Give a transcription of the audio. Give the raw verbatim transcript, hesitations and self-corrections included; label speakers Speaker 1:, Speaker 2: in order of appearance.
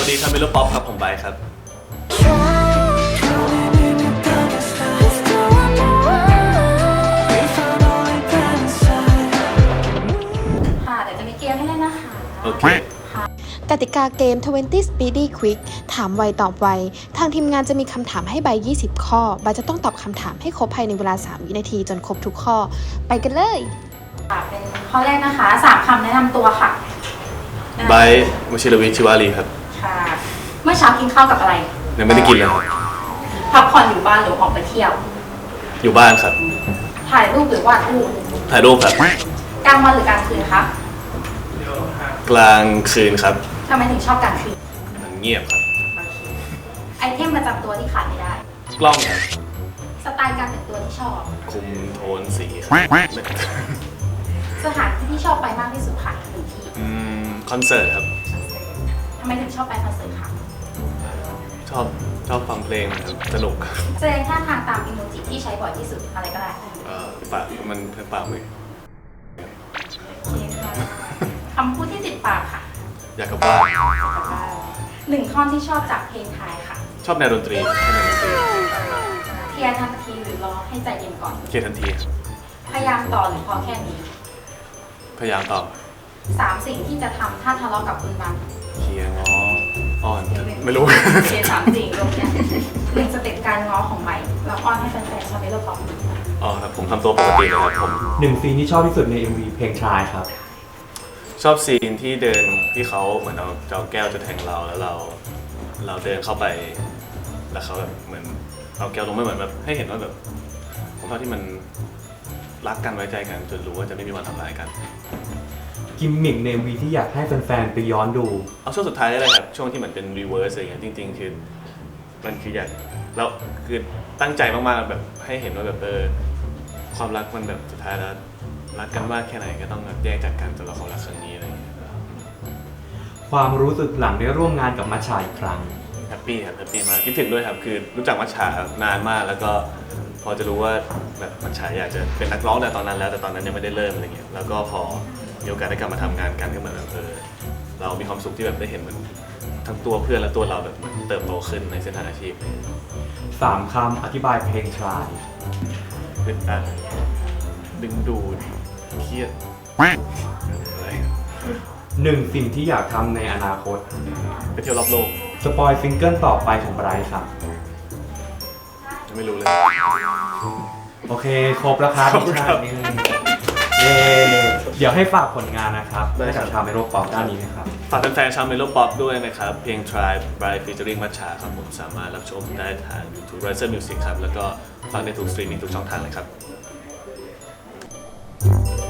Speaker 1: วัสดีชาวเมโลป๊อปครับผมไบค์ครับ
Speaker 2: ค่ะเดี๋ยวจะมีเกมให้เล่นนะคะ
Speaker 1: โอเค
Speaker 3: กติกาเกม ยี่สิบ Speedy Quick ถามไวตอบไว ทางทีมงานจะมีคำถามให้ใบ ยี่สิบ ข้อ ใบจะต้องตอบคำถามให้ครบภายในเวลา สาม วินาทีจนครบทุกข้อ ไปกันเลย
Speaker 2: ค่ะเป็นข้อแรกนะคะสามคำแนะนำตัวค่ะ
Speaker 1: ไบค์วชิรวิทย์ชิวารีครับ
Speaker 2: ค่ะเมื่อเช้ากินข้าวกับอะไร
Speaker 1: ยังไม่ได้กินเลยครับ
Speaker 2: พักผ่อนอยู่บ้านหรือออกไปเที่ยว
Speaker 1: อยู่บ้านครับ
Speaker 2: ถ่ายรูปหรือวาดรูป
Speaker 1: ถ่ายรูปครับ
Speaker 2: กลางวันหรือกลางคืนคะ
Speaker 1: กลางคืนครับ
Speaker 2: ทำไมถึงชอบกลางคืน
Speaker 1: มันเงียบครับ
Speaker 2: ไอเทมประจำตัวที่ขาดไม่ได้
Speaker 1: กล้องครับ
Speaker 2: สไตล์การแต่งตัวที่ชอบ
Speaker 1: คุมโทนสีครับ
Speaker 2: สถานที่ที่ชอบไปมากที่สุดค่ะหนึ่งที่
Speaker 1: อืมคอนเสิร์ตครับ
Speaker 2: ทำไมถึงชอบไปคอนเสิร์ตคะ
Speaker 1: ชอบชอบฟังเพลงครับสนุกครับ
Speaker 2: แสดงท่าทางตามอีโมจิที่ใช้บ่อยที่สุดอะไรก็ได้
Speaker 1: เอ่อปากมันปากมือ
Speaker 2: โอเคค่ะคำพูดที่ติดปากค่ะ
Speaker 1: อยากกลับบ้าน
Speaker 2: หนึ่งท่อนที่ชอบจากเพลงไทยค่ะ
Speaker 1: ชอบแนวดนตรีชอบแนวดนตรี
Speaker 2: เคลียร์ทันทีหรือรอให้ใจเย็นก่อน
Speaker 1: เคลียร์ทันทีครับ
Speaker 2: พยายามต่อหรือพอแค่นี้
Speaker 1: พยายามตอบ
Speaker 2: สามสิ่งที่จะทำถ้าทะเลาะกับคุณบัง
Speaker 1: เคลียร์ง้ออ่อนไม่รู้
Speaker 2: เคลียร์สามสิ่งรวมกันหนึ่งสเต็ปการง้อของใหม่แล้วอ้อนให้แฟนๆชาวเมโลป๊อป
Speaker 1: อ๋อครับผมทำตัวปกติเลยครับผม
Speaker 4: หนึ่งซีนที่ชอบที่สุดใน เอ็ม วี เพลงชายครับ
Speaker 1: ชอบซีนที่เดินที่เขาเหมือนเอาเจ้าแก้วจะแทงเราแล้วเรา เราเดินเข้าไป แล้วเขาแบบเหมือนเอาแก้วลงไม่เหมือนแบบให้เห็นว่าแบบผมชอบที่มันรักกันไว้ใจกันจนรู้ว่าจะไม่มีวันทำร้ายกัน
Speaker 4: กิมมิกใน เอ็ม วี ที่อยากให้แฟนๆไปย้อนดู
Speaker 1: เอาช่วงสุดท้ายได้เลยครับช่วงที่เหมือนเป็นรีเวิร์สอะไรเงี้ยจริงๆคือมันคืออยากแล้วคือตั้งใจมากๆแบบให้เห็นว่าแบบเออความรักมันแบบสุดท้ายแล้วรักกันมากแค่ไหนก็ต้องแบบแยกจากกันสำหรับความรักครั้งนี้อะไรเงี้ย
Speaker 4: ความรู้สึกหลังได้ร่วมงานกับมัชชาอีกครั้ง
Speaker 1: แฮปปี้ครับแฮปปี้มากคิดถึงด้วยครับคือรู้จักมัชชานานมากแล้วก็พอจะรู้ว่าแบบมัชชาอยากจะเป็นนักร้องแต่ตอนนั้นแล้วแต่ตอนนั้นยังไม่ได้เริ่มอะไรเงี้ยแล้วก็พอมีโอกาสได้กลับมาทำงานกันก็เหมือนแบบเออเรามีความสุขที่แบบได้เห็นเหมือนทั้งตัวเพื่อนและตัวเราแบบเหมือนเติบโตขึ้นในเส้นทางอาชีพ
Speaker 4: สามคำอธิบายเพลงชาย
Speaker 1: อึดอัดดึงดูดเครียดอะไร
Speaker 4: หนึ่งสิ่งที่อยากทำในอนาคต
Speaker 1: ไปเที่ยวรอบโลก
Speaker 4: สปอยซิงเกิลต่อไปของไบรท์ครับ
Speaker 1: ยังไม่รู้เลย
Speaker 4: โอเค ครบแล้วครับ
Speaker 1: ครบ
Speaker 4: พี่
Speaker 1: ครั
Speaker 4: ชา
Speaker 1: บ
Speaker 4: ตินี่เย้เดี๋ยวให้ฝากผลงานนะครับ
Speaker 1: ได้
Speaker 4: ให้
Speaker 1: ครั
Speaker 4: กับบ ชาวเมโลป๊อปด้านนี้นะครับ
Speaker 1: ฝากแฟนๆชาวเมโลป๊อปด้วยนะครับ เพลง Try by featuring มัชชาครับผมสามารถรับชมได้ทาง YouTube Riser Music ครับ แล้วก็ฟังในทุกสตรีมมิ่งทุกช่องทางเลยครับ